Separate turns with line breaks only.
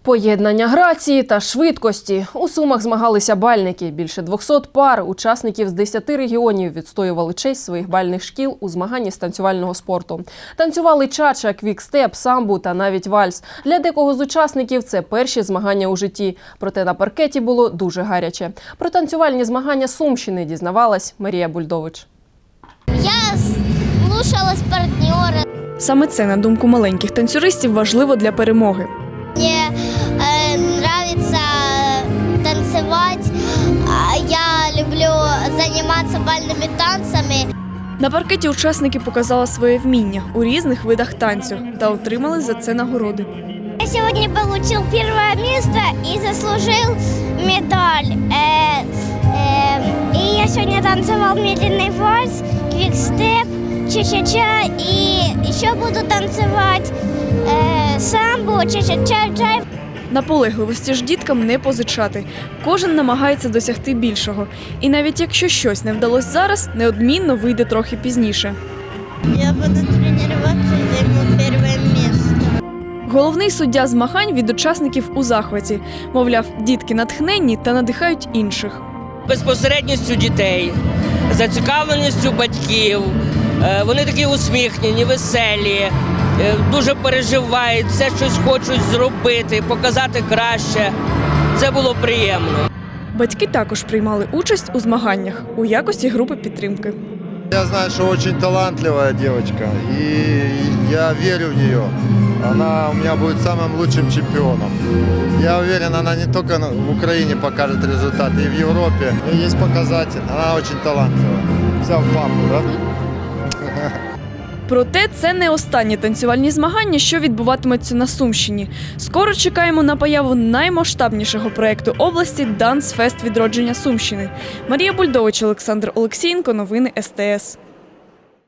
Поєднання грації та швидкості. У Сумах змагалися бальники. Більше 200 пар учасників з 10 регіонів відстоювали честь своїх бальних шкіл у змаганні з танцювального спорту. Танцювали чача, квікстеп, самбу та навіть вальс. Для декого з учасників це перші змагання у житті. Проте на паркеті було дуже гаряче. Про танцювальні змагання Сумщини дізнавалась Марія Бульдович.
Я слушалась партнера.
Саме це, на думку маленьких танцюристів, важливо для перемоги.
Мне нравится танцевать. Я люблю заниматься бальными танцами.
На паркеті учасники показали своє вміння у різних видах танцю та отримали за це нагороди.
Я сегодня получил первое место и заслужил медаль. И я сегодня танцевал медленный вальс, квикстеп, ча-ча-ча, и еще буду танцевать самбо, ча-ча-ча-ча.
Наполегливості ж діткам не позичати. Кожен намагається досягти більшого. І навіть якщо щось не вдалося зараз, неодмінно вийде трохи пізніше.
Я буду тренуватися і займу перше місце.
Головний суддя змагань від учасників у захваті. Мовляв, дітки натхненні та надихають інших.
Безпосередністю дітей, зацікавленістю батьків. Вони такі усміхнені, веселі, дуже переживають, все щось хочуть зробити, показати краще. Це було приємно.
Батьки також приймали участь у змаганнях у якості групи підтримки.
Я знаю, что очень талантливая девочка, и я верю в нее. Она у меня будет самым лучшим чемпионом. Я уверен, она не только в Украине покажет результаты, и в Европе. У нее есть показатель, она очень талантлива. Взяв папу, да?
Проте це не останні танцювальні змагання, що відбуватимуться на Сумщині. Скоро чекаємо на появу наймасштабнішого проєкту області «Дансфест відродження Сумщини». Марія Бульдович, Олександр Олексієнко. Новини СТС.